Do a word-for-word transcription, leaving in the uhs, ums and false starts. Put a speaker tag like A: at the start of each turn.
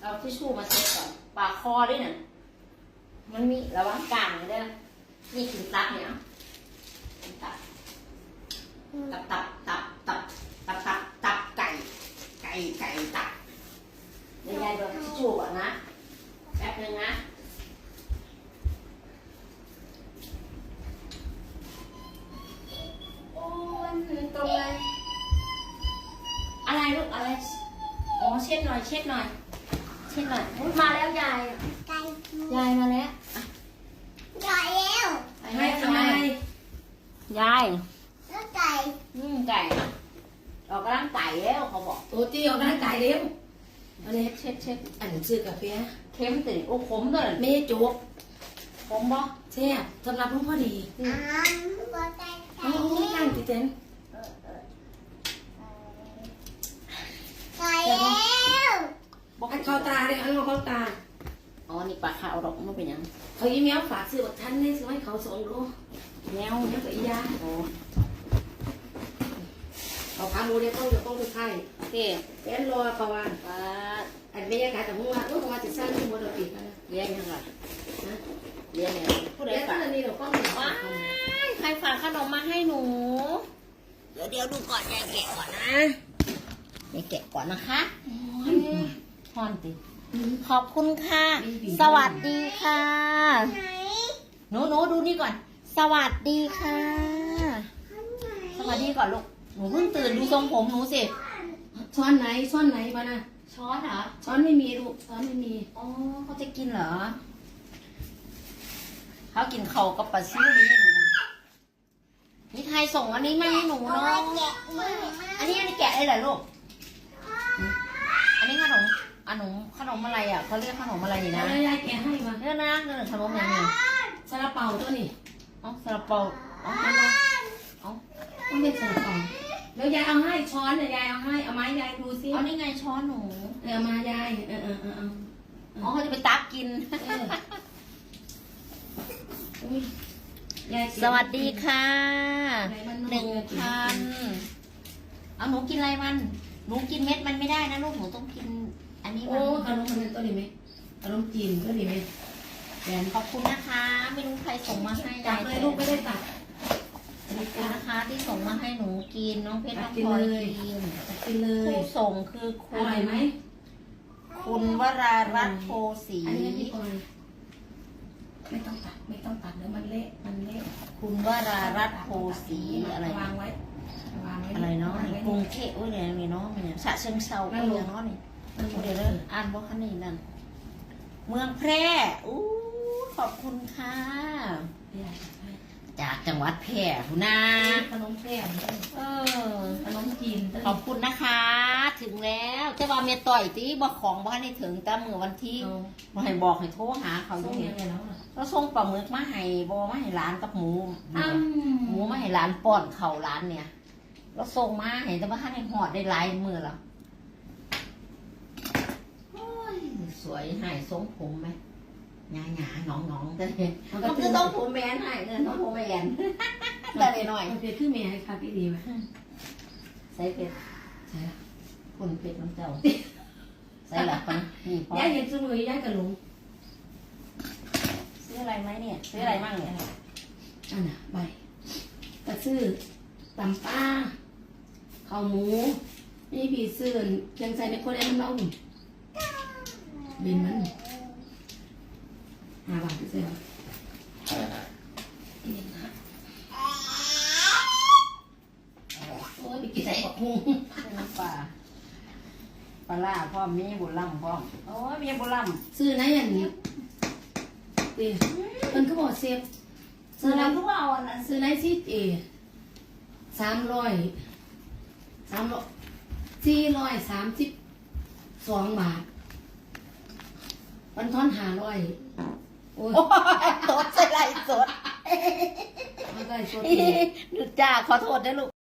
A: เอาทิชชู่มาเช็ดก่อนปากคอด้วยน่ะมันมีระวังกลางเลยได้นี่ถึงตับเนี่ยตับตับตับตับตับตับตับตับไก่ไก่ไก่ตับเดี๋ยวยายโดนทิชชู่ก่อนนะแป๊บนึงนะโอ้ยตรงเลยอะไรลูกอะไรอ๋อเช็ดหน่อยเช็ดหน่อยเช็ดหน่อยมาแล้วยายยายมาแล้วยายแล้วให้ทำไมยายแล้วไก่อืมไก่ออกกำลังไก่แล้วเขาบอก
B: โอ้ตีออกกำลังกายเร็ว
A: อันนี้เช็ดเช็ด
B: อันนี้ซื้อกาแฟ
A: เค็มติโอ้ขมด้วย
B: ไม่จุก
A: ขมบ่
B: แซ่บสำหรับลุงพอดี
A: อ๋อไก่ไก่
B: โอ้ยตั้งติเต้น
A: ไก่แล้ว
B: อันเข้าตาเลยอันเข้าตา
A: อ๋อนี่ปลาขาวดอกมันเป็นยัง
B: เขายิ้มแย้มฝากซื้อบักทันนี่ซื้อให้เขาสองโล
A: แมว
B: แมวกับอียา
A: โอ้
B: เอาพาโมเดลต้องจะต้องไปไข่
A: เต้
B: แอนรอประวัน
A: ปลา
B: อันบรรยากาศแต่หัวลูกประวันจะสร้างที่โมเดลติดนะ
A: เลี้ยงยังไง
B: นะ
A: เลี้ยงยังผู้ใดฝาก
B: นี่เราก็เหมือน
A: ว้าใครฝากขนมมาให้หนูเดี๋ยวเดี๋ยวดูก่อนยายแกะก่อนนะยายแกะก่อนนะคะฮอนติขอบคุณค่ะสวัสดีค่ะหนูหนูดูนี่ก่อนสวัสดีค่ะสวัสดีก่อนลูกหนูเพิ่งตื่นดูทรงผมหนูสิ
B: ช้อนไหนช้อนไหนบ้านะ
A: ช้อนเหรอ
B: ช้อนไม่มีลูกช้อนไม่มี
A: อ๋อเขาจะกินเหรอเขากินเข่ากับปลาซิวนี่ให้หนูนี่ใครส่งอันนี้มาให้หนูเนาะอันนี้อันนี้แกะได้เหรอลูกอันนี้ขนมขนมขนมอะไรอ่ะเขาเรียกขนมอะไรนี่นะ
B: ยายแกะให้มา
A: เรื่องนะเรื่องขนมอะไรเนี่ย
B: ซาลาเปาตัวนี้
A: อ๋อซาลาเปาอ๋ออ๋อ
B: ต้องเป็นซาลาเปาแล้วยายเอาให้ช้อนเนี่ยยายเอาให้เอาไม้ยายดูซิ
A: เอานี่ไงช้อนหนู
B: เออมายายเออเออเออ
A: อ๋อเขาจะไปตักกินสวัสดีค่ะหนึ่งพันเอาหนูกินอะไรมันหนูกินเม็ดมันไม่ได้นะลูกหนูต้องกินอันนี้มัน
B: โอ้ขนมมันตัวนี้ไหมขนมจีนตัวนี้ไหม
A: แอนขอบคุณนะคะไม่รู้ใครส่งมาให้
B: จับเลยลูกไม่ได้ตัด
A: ขอบคุณนะคะที่ส่งมาให้หนูกินน้องเพชรน้องพลอยกิน
B: กินเลย
A: ผู้ส่งคือคุณ
B: อร่อยไหม
A: คุณวรารัตน์โพสี
B: อันนี้พี่พลอยไม่ต้องตัดไม่ต้องตัดเดี๋ยวมันเละมันเละ
A: คุณวรารัตน์โพสีอะไร
B: วางไว้วางไว้
A: อะไรเนาะกรุงเทพอุ้ยเนี่ยมีเนาะเนี่ยฉะเชิงเซาก็เรียกเนาะนี่เดี๋ยวอ่านบอกคันนี้นั่นเมืองแพร่อู้ขอบคุณค่ะจากจังหวัดแพร่ทุนา
B: ขนมแพร่
A: เออ
B: ขนมจีน
A: ขอบคุณนะคะถึงแล้วแต่ว่าเมียต่อยตีบอกของบ้านให้ถึงแต่เมื่อวันที่มาให้บอกให้โทรหาเขาอยู่เนี่ยแล้วส่งปลาหมึกมาให้บอมาให้ร้านกับหมูหมูมาให้ร้านป้อนเข่าร้านเนี่ยแล้วส่งมาเห็นแต่ว่าท่านให้หอดได้หลายมือแล้วสวยให้ทรงผมไหมหงาหงาหนองหนองแต่เนี่ยมันคือทรงผมแมนให้เงินทรงผมแมนแต่เลยหน่อย
B: มันเป็นขึ้นเมียให้ค่ะพี่ดีไหม
A: ใส่เป็ดใส่ละคุณเป็ดน้ำเจ้าใส่ละคนนี่พ
B: อย่าเห็นซื้อมือย่ากระหลง
A: ซื้ออะไรไหมเนี่ยซื้ออะไรบ้างเนี่ย
B: อันน่ะใบกระซื้อตำปลาข้าวหมูนี่ผีเสื่อนยังใส่ในคนแอนเล่าบินมันห้าบาทที่เสื่อโอ้ยไปกินใส่กับพุง
A: น้ำปลาปลาล่าพ่อมีบุญล่ำพ่อโอ้ยมีบุญล่
B: ำซื้อไหนอย่างนี้ตีมันก็บอกเซฟ
A: ซื้อไหนทุกเอาอันนั้น
B: ซื้อไหนซีเอสามร้อยสามร้อยสี่ร้อยสามสิบสองบาทวันทอนหาร้อย
A: โอ้ยสดใส่ไรสด
B: ไม่ได้สด
A: ดูจ้าขอโทษนะลูก